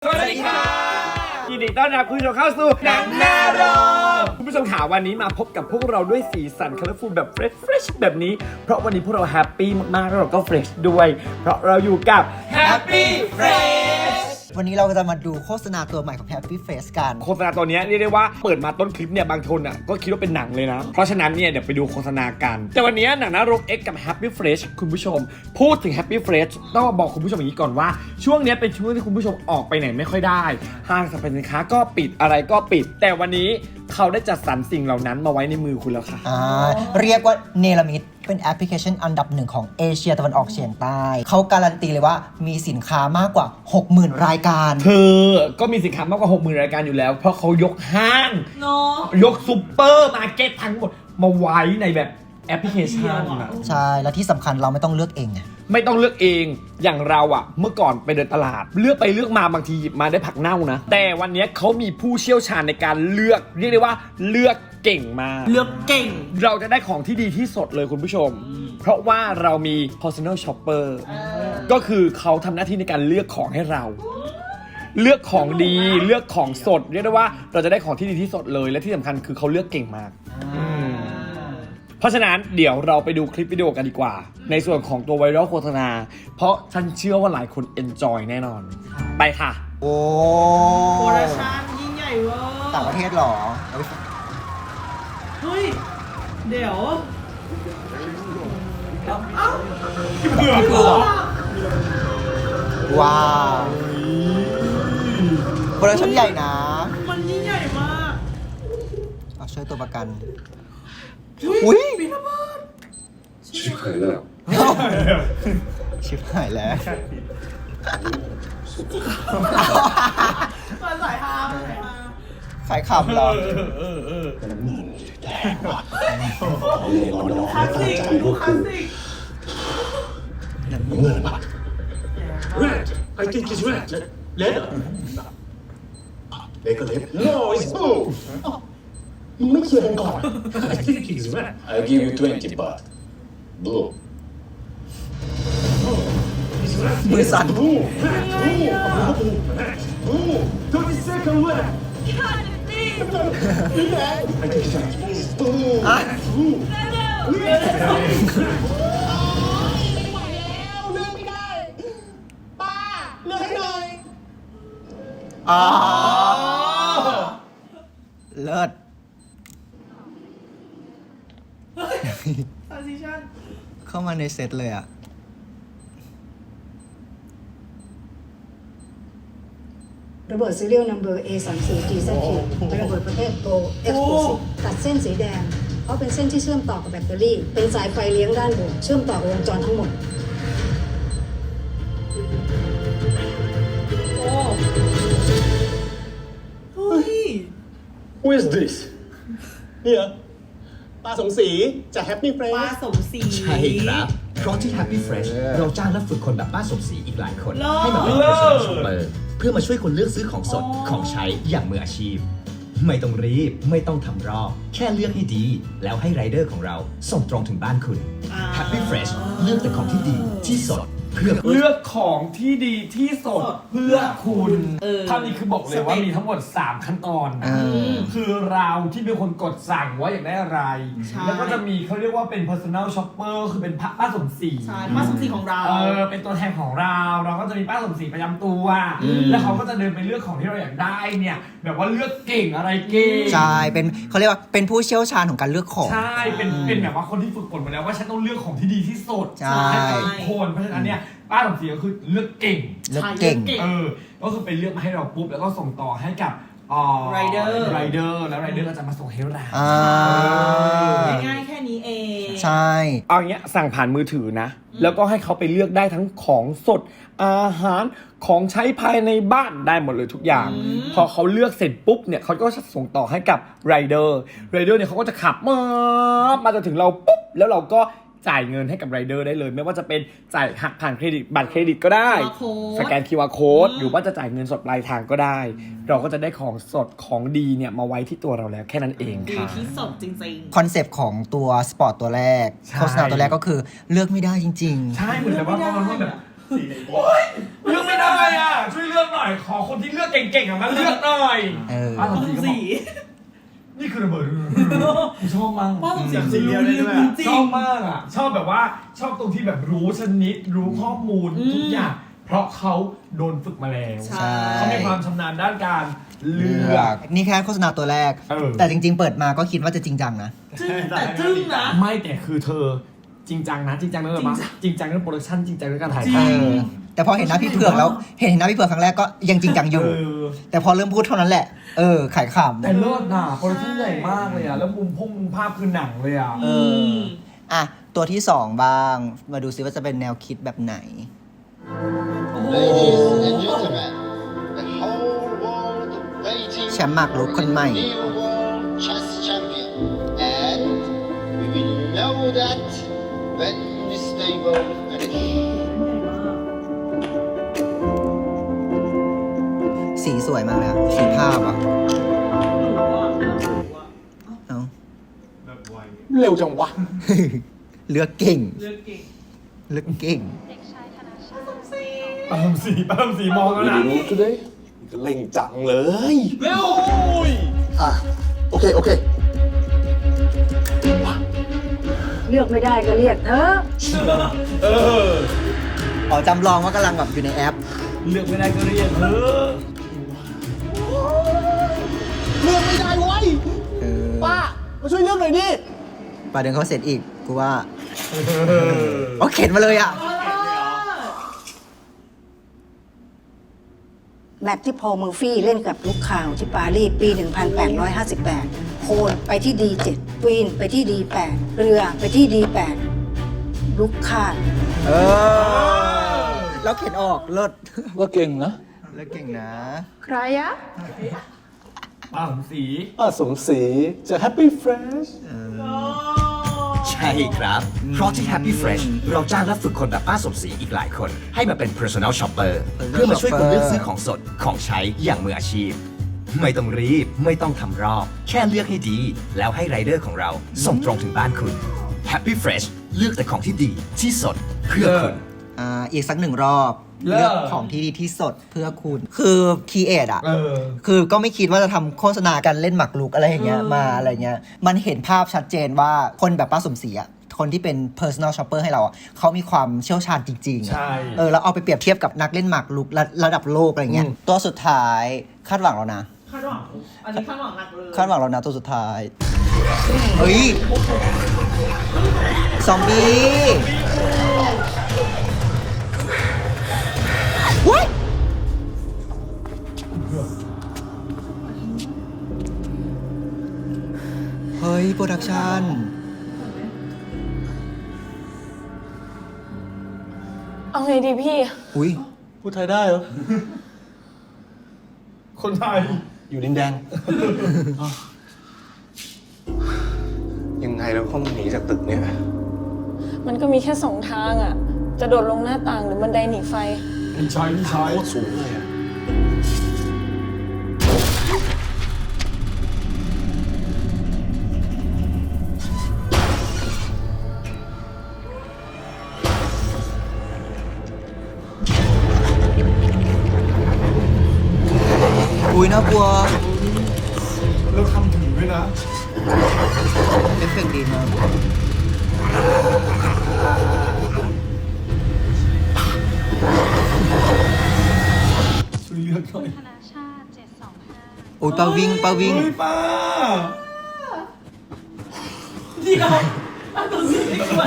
วัสดีค่ะยินดีต้อนรับคุณผู้ชมเข้าสู่หนังหน้าโรงคุณผู้ชมข่าววันนี้มาพบกับพวกเราด้วยสีสันคัลเลอร์ฟูลแบบเฟรชแบบนี้เพราะวันนี้พวกเราแฮปปี้มากๆแล้วเราก็เฟรชด้วยเพราะเราอยู่กับ Happy Fresh วันนี้เราจะมาดูโฆษณาตัวใหม่ของ Happy Fresh กันโฆษณาตัวนี้เรียกได้ว่าเปิดมาต้นคลิปเนี่ยบางคนอ่ะก็คิดว่าเป็นหนังเลยนะเพราะฉะนั้นเนี่ยเดี๋ยวไปดูโฆษณากันแต่วันนี้หนังหน้าโรง X กับ Happy Fresh คุณผู้ชมพูดถึง Happy Fresh ต้องบอกคุณผู้ชมอย่างนี้ก่อนว่าช่วงนี้เป็นช่วงที่คุณผู้ชมออกไปไหนไม่ค่อยได้ห้างสรรพสินค้าก็ปิดอะไรก็ปิดแต่วันนี้เขาได้จัดสรรสิ่งเหล่านั้นมาไว้ในมือคุณแล้วค่ะเรียกว่าเนลมิดเป็นแอปพลิเคชันอันดับหนึ่งของเอเชียตะวันออกเฉียงใต้เขาการันตีเลยว่ามีสินค้ามากกว่า 60,000 รายการเธอก็มีสินค้ามากกว่า 60,000 รายการอยู่แล้วเพราะเขายกห้างยกซูเปอร์มาร์เก็ตทั้งหมดมาไว้ในแบบแอปพลิเคชันใช่และที่สำคัญเราไม่ต้องเลือกเองไม่ต้องเลือกเองอย่างเราอะเมื่อก่อนไปเดินตลาดเลือกไปเลือกมาบางทีหยิบมาได้ผักเน่านะแต่วันนี้เขามีผู้เชี่ยวชาญในการเลือกเรียกได้ว่าเลือกเก่งมากเลือกเก่งเราจะได้ของที่ดีที่สุดเลยคุณผู้ชมเพราะว่าเรามี personal shopper ก็คือเขาทำหน้าที่ในการเลือกของให้เราเลือกของดีเลือกของสดเรียกได้ว่าเราจะได้ของที่ดีที่สุดเลยและที่สำคัญคือเขาเลือกเก่งมากเพราะฉะนั้นเดี๋ยวเราไปดูคลิปวิดีโอกันดีกว่าในส่วนของตัวไวรัลโฆษณาเพราะฉันเชื่อว่าหลายคนเอนจอยแน่นอนไปค่ะโอ้โปรดักชั่นยิ่งใหญ่เวอร์ต่างประเทศหรอเฮ้ยเดี๋ยวว้าวโปรดักชั่นใหญ่นะมันยิ่งใหญ่มากเอาช่วยตัวประกันอุ้ยชิบหายแล้วชิบหายแล้วมันสายฮาขายขำเหรอแดงว่ะเลยรอน้องไม่ตั้งใจก็คือเงินป่ะ Red I think it's red red เล็กก็เล็ก No it's blue มึงไม่เคลียร์กันก่อน I think it's red I'll give you 20 baht blue มือสั่น blue blue 30 second left I think it's red blue blue เลิศ transition เข้ามาในเซตเลยอ่ะระเบิด serial number A34GZQ เป็นระเบิดประเภท Pro Explosive ตัดเส้นสีแดงเพราะเป็นเส้นที่เชื่อมต่อกับแบตเตอรี่เป็นสายไฟเลี้ยงด้านบนเชื่อมต่อวงจรทั้งหมดเฮ้ย Who is this เนี่ยปลาสมศรีจาก Happy ปลา Fresh สมศรีใช่ครับเพราะที่ Happy Fresh เราจ้างและฝึกคนแบบป้าสมศรีอีกหลายคนเลิศให้มาเป็น personal shopper เพื่อมาช่วยคนเลือกซื้อของสดของใช้อย่างมืออาชีพ ไม่ต้องรีบไม่ต้องทำรอบแค่เลือกให้ดี แล้วให้ไรเดอร์ของเราส่งตรงถึงบ้านคุณ Happy Fresh เลือกแต่ของที่ดีที่สดเพื่อเลือกของที่ดีที่สุดเพื่อคุณท่านี้คือบอกเลยว่ามีทั้งหมด3ขั้นตอนคือเราที่เป็นคนกดสั่งว่าอยากได้อะไรแล้วก็จะมีเขาเรียกว่าเป็น personal shopper คือเป็นป้าสมศรีใช่ป้าสมศรีของเราเป็นตัวแทนของเราก็จะมีป้าสมศรีประจำตัวแล้วเขาก็จะเดินไปเลือกของที่เราอยากได้เนี่ยแบบว่าเลือกเก่งอะไรเก่งใช่เป็นเขาเรียกว่าเป็นผู้เชี่ยวชาญของการเลือกของใช่เป็นแบบว่าคนที่ฝึกฝนมาแล้วว่าฉันต้องเลือกของที่ดีที่สุดให้กับทุกคนเพราะฉะนั้นเนี่ยป้าสมศรีก็คือเลือกเก่งก็คือไปเลือกมาให้เราปุ๊บแล้วก็ส่งต่อให้กับไรเดอร์แล้วไรเดอร์ก็จะมาส่งให้เราง่ายๆแค่นี้เองใช่เอาอย่างเงี้ยสั่งผ่านมือถือนะแล้วก็ให้เขาไปเลือกได้ทั้งของสดอาหารของใช้ภายในบ้านได้หมดเลยทุกอย่างพอเขาเลือกเสร็จปุ๊บเนี่ยเขาก็จะส่งต่อให้กับไรเดอร์เนี่ยเขาก็จะขับมาจนถึงเราปุ๊บแล้วเราก็จ่ายเงินให้กับไรเดอร์ได้เลยไม่ว่าจะเป็นจ่ายหักผ่านเครดิตบัตรเครดิตก็ได้สแกน QR Code หรือว่าจะจ่ายเงินสดปลายทางก็ได้เราก็จะได้ของสดของดีเนี่ยมาไว้ที่ตัวเราแล้วแค่นั้นเองค่ะดีที่สดจริงๆคอนเซปต์ของตัวสปอร์ตตัวแรกโฆษณาตัวแรกก็คือเลือกไม่ได้จริงๆใช่เหมือนแบบว่าเขาแบบเลือกไม่ได้อ่ะ ช่วยเลือกหน่อย ขอคนที่เลือกเก่งๆอ่ะมาเลือกหน่อยเออป้าสมศรีก็บสีอกนี่คือระเบิดชอบมากป้าสมศรีสีเดียวได้ด้วยจริชอง บมากอ่ะ ชอบแบบว่าชอบตรงที่แบบรู้ชนิด รู้ข้อมูลทุกอย่าง เพราะเขาโดนฝึกมาแล้วใช่เขามีความชำนาญด้านการเลืเลืออก กนี่แค่โฆษณาตัวแรกเออแต่จริง ๆ เปิดมาก็คิดว่าจะจริงจังนะจึ้งแต่จึ้งนะไม่แต่คือเธอจริงจังนะจริงจังเรื่องอะไรปะจริงจังเรื่องโปรดักชั่นจริงจังเรื่องการถ่ายจริทเออ แต่พอเห็นหน้าพี่เผือกแล้ว เห็นหน้าพี่เผือกครั้งแรกก็ยังจริงจังำอยู่ แต่พอเริ่มพูดเท่านั้นแหละ ขายขแต่เลิศน่ะโปรดักชั่นใหญ่มากเลยอ่ะแล้วมุมภาพคือหนังเลยอ่ะำอ่ะ ตัวที่ 2 บ้าง มาดูซิว่าจะเป็นแนวคิดแบบไหน Ladies and gentlemen, the whole world waiting แชมป์หมากรุกคนใหม่ for the new world chess champion. And we will know that when this table finish. สีสวยมากเลยอะสีภาพอ่ะ เอาเร็วจังวะเลือกเก่งเลือกเก่งเลือกเก่งป้าทำสีมองแล้วนะรู้ today เล่งจังเลยเร็วโอเค โอเคเลือกไม่ได้ก็เรียกเธออ๋อจำลองว่ากำลังแบบอยู่ในแอปเลือกไม่ได้ก็เรียกเธอเลือกไม่ได้เว้ยเออป้า มาช่วยเลือกหน่อยดิป่าเดินเขาเสร็จอีก กูว่าโอเข็นมาเลยอ่ะแมตช์ที่พอลเมอร์ฟี่เล่นกับลูกข่าวที่ปารีสปี 1858 โคนไปที่ D7 ควีนไปที่ D8 เรือไปที่ D8 ลูกข่าดเออ แล้วเข็นออกเลิศว่าเก่งนะเลิศเก่งนะใครอะป้าทำสีป้าสมศรีจะ Happy Fresh ใช่ครับ เพราะที่ Happy Fresh เราจ้างและฝึกคนแบบป้าสมศรีอีกหลายคน ให้มาเป็น Personal Shopper เพื่อมาช่วยคุณเลือกซื้อของสดของใช้อย่างมืออาชีพ ไม่ต้องรีบ ไม่ต้องทำรอบ แค่เลือกให้ดี แล้วให้ไรเดอร์ของเราส่งตรงถึงบ้านคุณ Happy Fresh เลือกแต่ของที่ดีที่สดเพื่อคุณอีกสักหนึ่งรอบเลิศเลือกของที่ดีที่สดเพื่อคุณ คือคีเอทอ่ะเออคือก็ไม่คิดว่าจะทำโฆษณาการเล่นหมากรุกอะไรอย่างเงี้ยมาอะไรเงี้ย มันเห็นภาพชัดเจนว่าคนแบบป้าสมศรีอ่ะ คนที่เป็น personal shopper ให้เราอ่ะเขามีความเชี่ยวชาญจริงๆอะใช่แล้วเอาไปเปรียบเทียบกับนักเล่นหมากรุกระดับโลกอะไรเงี้ย ตัวสุดท้ายคาดหวังแล้วนะคาดหวังอันนี้คาดหวังหนักเลยคาดหวังแล้วนะตัวสุดท้าย เฮ้ย ซอมบี้ว้ายเฮ้ย โปรดักชั่นเอาไงดีพี่อุ้ยพูดไทยได้เหรอคนไทยอยู่ดินแดง ยังไงเราก็ต้องหนีจากตึกเนี่ยมันก็มีแค่สองทางอ่ะ จะโดดลงหน้าต่างหรือบันไดหนีไฟพี่ชายโคตรสูงเลยอะอุ้ยน่ากลัวแล้วทำถึงด้วยนะเอฟเฟกต์ดีมากช่วยเลือกหน่อยธนาชาติ725 อุ้ยปาวิ่งเฮ้ยป้าเดียวอันตัวสีไม่สวย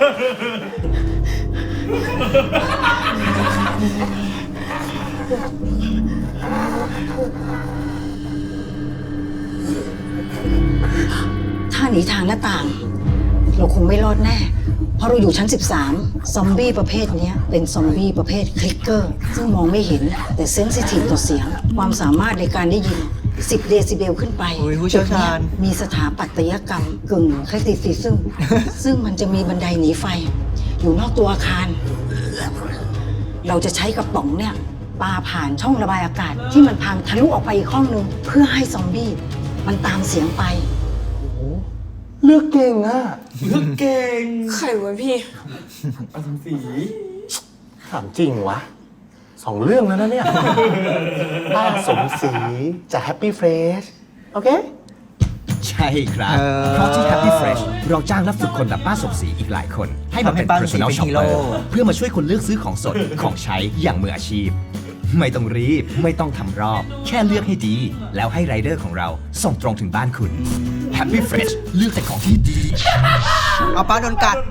ถ้าหนีทางหน้าต่าง เราคงไม่รอดแน่ เพราะเราอยู่ชั้น 13 ซอมบี้ประเภทเนี้ยเป็นซอมบี้ประเภทคลิกเกอร์ ซึ่งมองไม่เห็นแต่เซนซิทีฟต่อเสียง ความสามารถในการได้ยิน 10 เดซิเบลขึ้นไปโอ้ยผู้เชี่ยวชาญตึกนี้มีสถาปัตยกรรมกึ่งคลาสสิซิซึม ซึ่งมันจะมีบันไดหนีไฟ อยู่นอกตัวอาคาร เราจะใช้กระป๋องเนี่ยปาผ่านช่องระบายอากาศ ที่มันพังทะลุออกไปอีกห้องนึงเพื่อให้ซอมบี้มันตามเสียงไปเลือกเก่งอ่ะเลือกเก่งใครวะพี่ป้าทำสีถามจริงวะ2 เรื่องแล้วนะเนี่ย ป้าสมศรีจาก Happy Fresh โอเคใช่ครับ เพราะที่ Happy Fresh เราจ้างและฝึกคนแบบป้าสมศรีอีกหลายคน ให้มาเป็นทำให้ป้าสมศรี personal เป็นฮีโร่ shopper เพื่อมาช่วยคนเลือกซื้อของสด ของใช้อย่างมืออาชีพ ไม่ต้องรีบ ไม่ต้องทำรอบ แค่เลือกให้ดี แล้วให้ไรเดอร์ของเราส่งตรงถึงบ้านคุณ Happy Fresh เลือกแต่ของที่ดีเอาป้าโดนกัด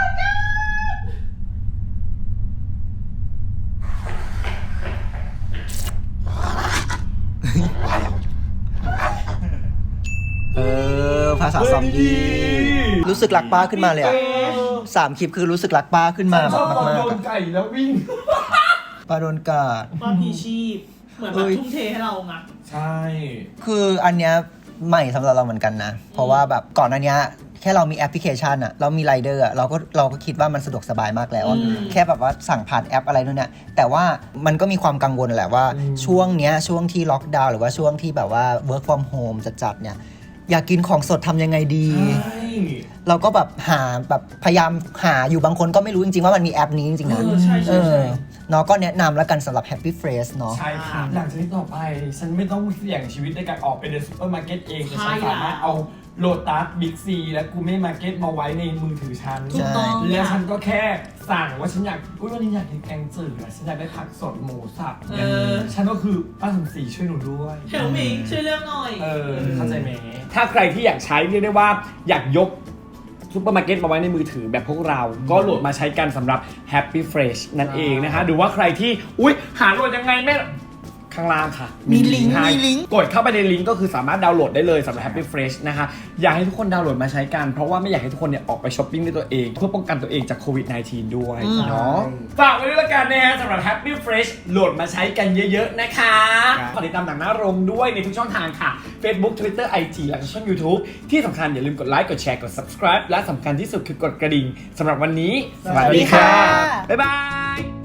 ภาษาซอมบี้รู้สึกรักป้าขึ้นมาเลยอะ3 คลิปคือรู้สึกรักป้าขึ้นมาชแบอบบตอนมากโดๆนอะไก่แล้ววิ่งป้าโดนกัดป้าพีชีพ เหมือนแบบทุ่มเทให้เราไงใช่คืออันเนี้ยใหม่สำหรับเราเหมือนกันนะ เพราะว่าแบบก่อนอันเนี้ยแค่เรามีแอปพลิเคชันอะเรามีไรเดอร์อะเราก็คิดว่ามันสะดวกสบายมากแล้วอะแค่แบบว่าสั่งผ่านแอปอะไรนู่นเนี่ยแต่ว่ามันก็มีความกังวลแหละว่าช่วงเนี้ยช่วงที่ล็อกดาวน์หรือว่าช่วงที่แบบว่า work from home จัดๆเนี่ยอยากกินของสดทำยังไงดีใช่เราก็แบบหาแบบพยายามหาอยู่บางคนก็ไม่รู้จริงๆว่ามันมีแอปนี้จริงๆนะใช่ใช่ใช่เนาะก็แนะนำแล้วกันสำหรับ Happy Fresh เนาะใช่ค่ะหลังจากนี้ต่อไป ฉันไม่ต้องเสี่ยงชีวิตในการออกไปเดินซูเปอร์มาร์เก็ตเองแต่ฉันใช่สามารถเอาโลตัสบิ๊กซีและกูเม่มาร์เก็ตมาไว้ในมือถือฉันถูกต้องแล้วฉันก็แค่สั่งว่าฉันอยากวันนี้อยากกินแกงจืดอะฉันอยากได้ผักสดหมูสับเนี่ยฉันก็คือป้าสมศรีช่วยหนูด้วยเฮลมิงช่วยเลือกหน่อยเข้าใจไหมถ้าใครที่อยากใช้เรียกได้ว่าอยากยกซุปเปอร์มาร์เก็ตมาไว้ในมือถือแบบพวกเรา ก็โหลดมาใช้กันสำหรับ Happy Fresh นั่นเองนะคะหรือว่าใครที่อุ๊ยหาโหลดยังไงแม่ข้างล่างค่ะมีลิงก์ให้มีลิงก์กดเข้าไปในลิงก์ก็คือสามารถดาวน์โหลดได้เลยสำหรับ Happy Fresh นะคะอยากให้ทุกคนดาวน์โหลดมาใช้กันเพราะว่าไม่อยากให้ทุกคนเนี่ยออกไปช้อปปิ้งด้วยตัวเองเพื่อป้องกันตัวเองจากโควิด -19 ด้วยเนาะฝากไว้ด้วยละกันนะฮะสำหรับ Happy Fresh โหลดมาใช้กันเยอะๆนะคะฝากติดตามหนังหน้าโรงด้วยในทุกช่องทางค่ะ Facebook Twitter IG และช่อง YouTube ที่สำคัญอย่าลืมกดไลค์กดแชร์กด subscribe และสำคัญที่สุดคือกดกระดิ่งสำหรับวันนี้สวัสดีค่ะบ๊ายบาย